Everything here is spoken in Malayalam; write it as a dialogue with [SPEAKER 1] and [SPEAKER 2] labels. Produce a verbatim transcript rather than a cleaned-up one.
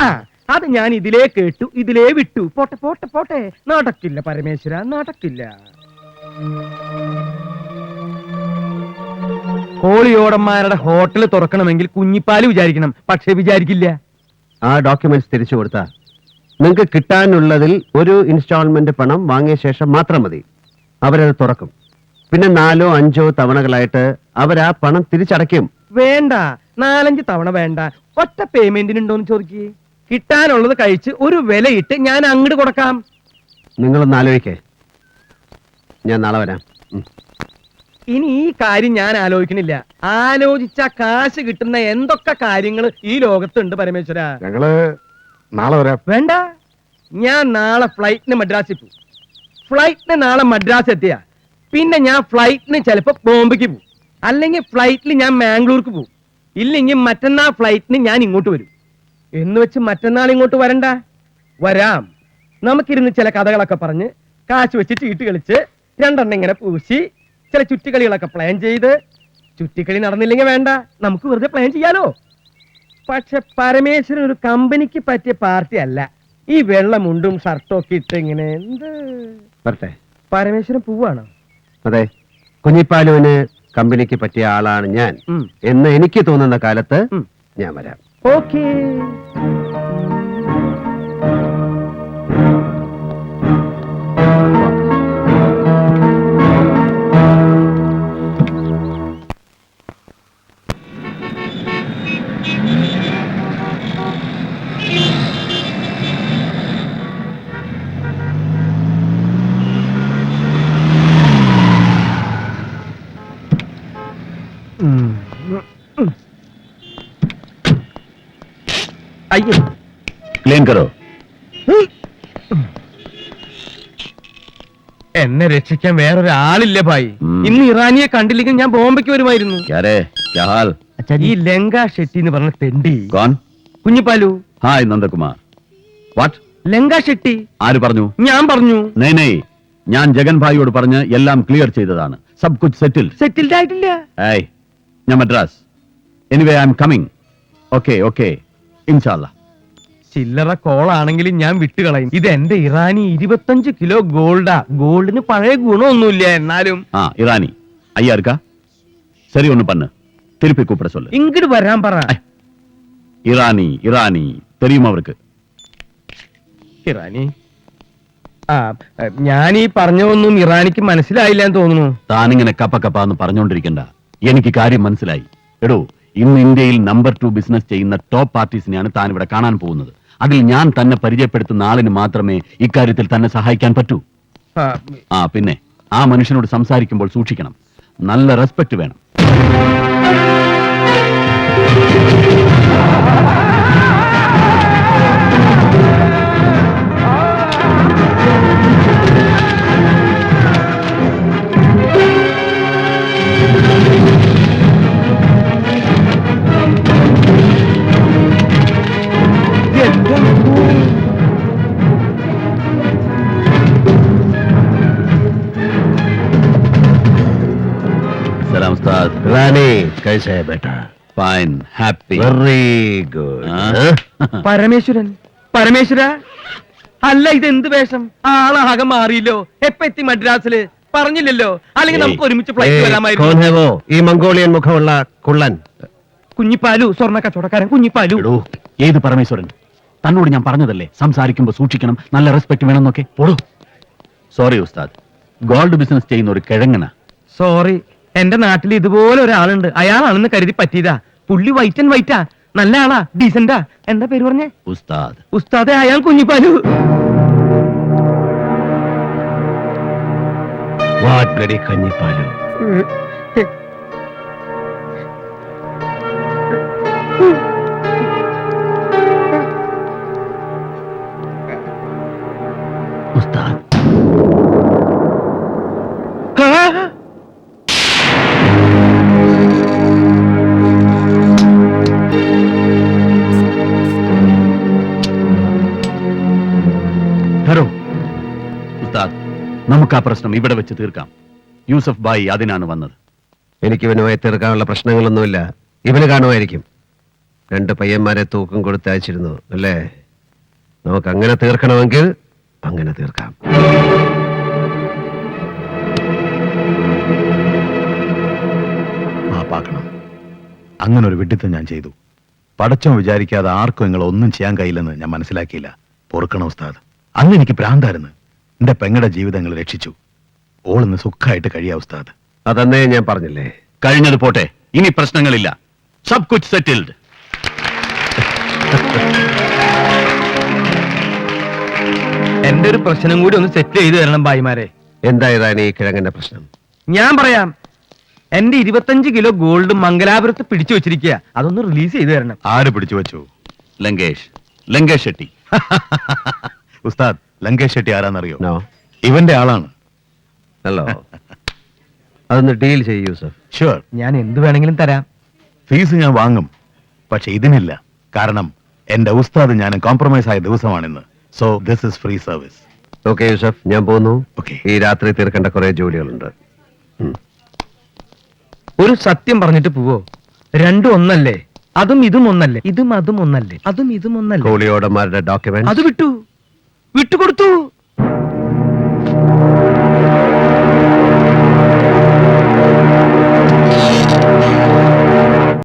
[SPEAKER 1] ആ അത് ഞാൻ ഇതിലേ കേട്ടു, ഇതിലേ വിട്ടു. പോട്ടെ പോട്ടെ പോട്ടെ, നടക്കില്ല പരമേശ്വര, നടക്കില്ല. കോളിയോടന്മാരുടെ ഹോട്ടൽ തുറക്കണമെങ്കിൽ കുഞ്ഞിപ്പാല് വിചാരിക്കണം, പക്ഷെ വിചാരിക്കില്ല.
[SPEAKER 2] ആ ഡോക്യുമെന്റ്സ് തിരിച്ചു കൊടുത്താൽ നിങ്ങൾക്ക് കിട്ടാനുള്ളതിൽ ഒരു ഇൻസ്റ്റാൾമെന്റ് പണം വാങ്ങിയ ശേഷം മാത്രം മതി. അവരത് തുറക്കും. പിന്നെ നാലോ അഞ്ചോ തവണകളായിട്ട് അവർ ആ പണം തിരിച്ചടയ്ക്കും.
[SPEAKER 1] വേണ്ട, നാലഞ്ച് തവണ വേണ്ട, ഒറ്റ പേയ്മെന്റിനുണ്ടോന്ന് ചോദിക്കേ. കിട്ടാനുള്ളത് കഴിച്ച് ഒരു വിലയിട്ട് ഞാൻ അങ്ങോട്ട് കൊടുക്കാം.
[SPEAKER 2] നിങ്ങളൊന്ന് ആലോചിക്കേ, ഞാൻ നാളെ വരാം.
[SPEAKER 1] ഇനി ഈ കാര്യം ഞാൻ ആലോചിക്കണില്ല. ആലോചിച്ച കാശ് കിട്ടുന്ന എന്തൊക്കെ കാര്യങ്ങൾ ഈ ലോകത്തുണ്ട് പരമേശ്വര.
[SPEAKER 3] ഞങ്ങള് നാളെ വരാം.
[SPEAKER 1] വേണ്ട, ഞാൻ നാളെ ഫ്ലൈറ്റിന് മദ്രാസിൽ പോകും. ഫ്ലൈറ്റിന് നാളെ മദ്രാസ് എത്തിയ പിന്നെ ഞാൻ ഫ്ലൈറ്റിന് ചിലപ്പോ ബോംബെക്ക് പോകും, അല്ലെങ്കിൽ ഫ്ലൈറ്റിൽ ഞാൻ മാംഗ്ലൂർക്ക് പോകും, ഇല്ലെങ്കിൽ മറ്റന്നാൾ ഫ്ലൈറ്റിന് ഞാൻ ഇങ്ങോട്ട് വരും. എന്ന് വെച്ച് മറ്റന്നാൾ ഇങ്ങോട്ട് വരണ്ട, വരാം. നമുക്കിരുന്ന് ചില കഥകളൊക്കെ പറഞ്ഞ് കാശ് വെച്ച് ചീട്ട് കളിച്ച് രണ്ടെണ്ണം ഇങ്ങനെ പൂശി ചില ചുറ്റിക്കളികളൊക്കെ പ്ലാൻ ചെയ്ത്, ചുറ്റിക്കളി നടന്നില്ലെങ്കിൽ വേണ്ട, നമുക്ക് വെറുതെ പ്ലാൻ ചെയ്യാലോ. പക്ഷെ പരമേശ്വരൻ ഒരു കമ്പനിക്ക് പറ്റിയ പാർട്ടി അല്ല. ഈ വെള്ളമുണ്ടും ഷർട്ടും ഒക്കെ ഇട്ട് ഇങ്ങനെ എന്ത്
[SPEAKER 2] വരട്ടെ.
[SPEAKER 1] പരമേശ്വരൻ പൂവാണോ?
[SPEAKER 2] അതെ, കുഞ്ഞിപ്പാലുവിന് കമ്പനിക്ക് പറ്റിയ ആളാണ് ഞാൻ എന്ന് എനിക്ക് തോന്നുന്ന കാലത്ത് ഞാൻ വരാം.
[SPEAKER 1] ഓക്കേ. അയ്യോ,
[SPEAKER 3] ക്ലീൻ കരോ.
[SPEAKER 1] എന്നെ രക്ഷിക്കാൻ വേറൊരാളില്ല ഭായി. ഇന്ന് ഇറാനിയെ കണ്ടില്ലെങ്കിൽ ഞാൻ ബോംബെക്ക് വരുമായിരുന്നു. ഈ ലങ്ക ഷെട്ടി എന്ന് പറഞ്ഞ തെണ്ടി. കുഞ്ഞിപ്പാലു.
[SPEAKER 3] ഹായ് നന്ദകുമാർ. വാട്ട്?
[SPEAKER 1] ലങ്ക ഷെട്ടി.
[SPEAKER 3] ആര് പറഞ്ഞു?
[SPEAKER 1] ഞാൻ പറഞ്ഞു.
[SPEAKER 3] നെയ് നെയ്, ഞാൻ ജഗൻ ഭായിയോട് പറഞ്ഞ് എല്ലാം ക്ലിയർ ചെയ്തതാണ്. സബ് കുച്ച് സെറ്റിൽ.
[SPEAKER 1] സെറ്റിൽഡ് ആയിട്ടില്ല.
[SPEAKER 3] ഏയ്, ഞാൻ Madras. Anyway I am coming. Okay okay, ഇൻഷാല്ലാ.
[SPEAKER 1] ചില്ലറ കോളാണെങ്കിലും ഞാൻ വിട്ടുകളയും. ഇത് എന്റെ ഇറാനി ഇരുപത്തഞ്ച് കിലോ ഗോൾഡാ. ഗോൾഡിന് പഴയ ഗുണമൊന്നുമില്ല, എന്നാലും.
[SPEAKER 3] ആ ഇറാനി ஐயா இருக்கா? சரி ஒண்ணு பண்ணு, திருப்பி கூப்பிட சொல்லு.
[SPEAKER 1] ഇങ്ങോട്ട് വരാൻ പറ.
[SPEAKER 3] ഇറാനി ഇറാനി தெரியுமா അവർക്ക്?
[SPEAKER 1] ഇറാനി? ആ, ഞാൻ ഈ പറഞ്ഞതൊന്നും ഇറാനിക്ക് മനസ്സിലായില്ല എന്ന് തോന്നുന്നു.
[SPEAKER 3] താനിങ്ങനെ കപ്പ കപ്പാന്ന് പറഞ്ഞോണ്ടിരിക്കണ്ട, എനിക്ക് കാര്യം മനസ്സിലായി. എടോ, ഇന്ന് ഇന്ത്യയിൽ നമ്പർ ടു ബിസിനസ് ചെയ്യുന്ന ടോപ്പ് പാർട്ടീസിനെയാണ് താൻ ഇവിടെ കാണാൻ പോകുന്നത്. അതിൽ ഞാൻ തന്നെ പരിചയപ്പെടുത്തുന്ന ആളിന് മാത്രമേ ഇക്കാര്യത്തിൽ തന്നെ സഹായിക്കാൻ പറ്റൂ. ആ പിന്നെ ആ മനുഷ്യനോട് സംസാരിക്കുമ്പോൾ സൂക്ഷിക്കണം, നല്ല റെസ്പെക്ട് വേണം. सलाम उस्ताद.
[SPEAKER 2] रानी कैसे है बेटा?
[SPEAKER 3] Fine, happy,
[SPEAKER 2] very good.
[SPEAKER 1] Parameswaran? Parameswara അല്ല, ഇത് എന്ത് വേഷം? ആളാകെ മാറിയില്ലോ. എപ്പ എത്തി മദ്രാസില്? പറഞ്ഞില്ലല്ലോ, അല്ലെങ്കിൽ നമുക്ക് ഒരുമിച്ച് ഫ്ലൈറ്റ് വരാമായിരുന്നു.
[SPEAKER 2] ഈ മംഗോളിയൻ മുഖമുള്ള കുള്ളൻ
[SPEAKER 1] കുഞ്ഞിപ്പാലു, സ്വർണ്ണ കച്ചവടക്കാരൻ കുഞ്ഞിപ്പാലു.
[SPEAKER 3] ഏത് പരമേശ്വരൻ? തന്നോട് ഞാൻ പറഞ്ഞതല്ലേ സംസാരിക്കുമ്പോ സൂക്ഷിക്കണം, നല്ല റെസ്പെക്ട് വേണമെന്നൊക്കെ. ഓടോ. സോറി ഉസ്താദ്, ഗോൾഡ് ബിസിനസ് ചെയ്യുന്ന ഒരു കിഴങ്ങന.
[SPEAKER 1] സോറി, എന്റെ നാട്ടിൽ ഇതുപോലെ ഒരാളുണ്ട്, അയാളാണെന്ന് കരുതി പറ്റിയതാ. പുള്ളി വൈറ്റ് ആൻഡ് വൈറ്റാ, നല്ല ആളാ, ഡീസന്റാ. എന്താ പേര് പറഞ്ഞേ?
[SPEAKER 3] ഉസ്താദ്.
[SPEAKER 1] ഉസ്താദെ, അയാൾ കുഞ്ഞിപ്പാലു.
[SPEAKER 2] What bloody Kunjippalu.
[SPEAKER 3] ഉസ്താദ്. ഹലോ ഉസ്താദ്, നമുക്ക് ആ പ്രശ്നം ഇവിടെ വെച്ച് തീർക്കാം. യൂസഫ് ബായി അതിനാണ് വന്നത്.
[SPEAKER 2] എനിക്ക് ഇവനുമായി തീർക്കാനുള്ള പ്രശ്നങ്ങളൊന്നുമില്ല, ഇവന് കാണുമായിരിക്കും. രണ്ട് പയ്യന്മാരെ തൂക്കം കൊടുത്ത് അയച്ചിരുന്നു അല്ലേ? നമുക്ക് അങ്ങനെ തീർക്കണമെങ്കിൽ അങ്ങനെ തീർക്കാം.
[SPEAKER 4] മാപ്പാക്കണം. അങ്ങനെ ഒരു വിഡിത്തം ഞാൻ ചെയ്തു. പടച്ചോ വിചാരിക്കാതെ ആർക്കും നിങ്ങൾ ഒന്നും ചെയ്യാൻ കഴിയില്ലെന്ന് ഞാൻ മനസ്സിലാക്കിയില്ല. പൊറുക്കണം ഉസ്താദ്. അന്ന് എനിക്ക് ഭ്രാന്തായിരുന്നു. എന്റെ പെങ്ങളുടെ ജീവിതങ്ങൾ രക്ഷിച്ചു. ഓളിന്ന് സുഖമായിട്ട് കഴിയാ ഉസ്താദ്.
[SPEAKER 2] അതന്നേ ഞാൻ പറഞ്ഞില്ലേ.
[SPEAKER 3] കഴിഞ്ഞത് പോട്ടെ, ഇനി പ്രശ്നങ്ങളില്ല. സബ് കുച്ച് സെറ്റിൽഡ്.
[SPEAKER 1] എന്റെ ഒരു പ്രശ്നം കൂടി ഒന്ന് സെറ്റ് ചെയ്തു തരണം ഭായിമാരെ.
[SPEAKER 2] എന്തായതാണ് ഈ കിഴങ്ങന്റെ പ്രശ്നം?
[SPEAKER 1] ഞാൻ പറയാം. എന്റെ ഇരുപത്തഞ്ച് കിലോ ഗോൾഡ് മംഗലാപുരത്ത് പിടിച്ചു വെച്ചിരിക്കുക. അതൊന്ന് റിലീസ് ചെയ്തു തരണം.
[SPEAKER 4] ആര് പിടിച്ചു വെച്ചു?
[SPEAKER 3] ലങ്കേഷ് ലങ്കേഷ് ഷെട്ടി.
[SPEAKER 4] ഉസ്താദ്, ലങ്കേഷ് ഷെട്ടി ആരാന്നറിയോ?
[SPEAKER 2] നോ.
[SPEAKER 4] ഇവന്റെ ആളാണ്.
[SPEAKER 2] ഹലോ, അതൊന്ന് ഡീൽ ചെയ്യൂ യൂസഫ്.
[SPEAKER 4] ഷുവർ.
[SPEAKER 1] ഞാൻ എന്ത് വേണമെങ്കിലും തരാം.
[SPEAKER 4] ഫീസ് ഞാൻ വാങ്ങും, പക്ഷെ ഇതിനില്ല. കാരണം എന്റെ ഉസ്താദ് ഞാൻ കോംപ്രമൈസ് ആയ ദിവസമാണിന്ന്. So this is free service.
[SPEAKER 2] Okay Yusuf, ഞാൻ പോകുന്നു.
[SPEAKER 4] Okay.
[SPEAKER 2] ഈ രാത്രി തീർക്കേണ്ട കുറെ ജോലികളുണ്ട്. ഉം.
[SPEAKER 1] ഒരു സത്യം പറഞ്ഞിട്ട് പോവോ? രണ്ടും ഒന്നല്ലേ? അതും ഇതും ഒന്നല്ലേ? ഇതും അതും ഒന്നല്ലേ? അതും ഇതും ഒന്നല്ലേ?
[SPEAKER 2] കോളിയോടന്മാരുടെ ഡോക്യുമെന്റ്
[SPEAKER 1] അത് വിട്ടു വിട്ടുകൊടുത്തു.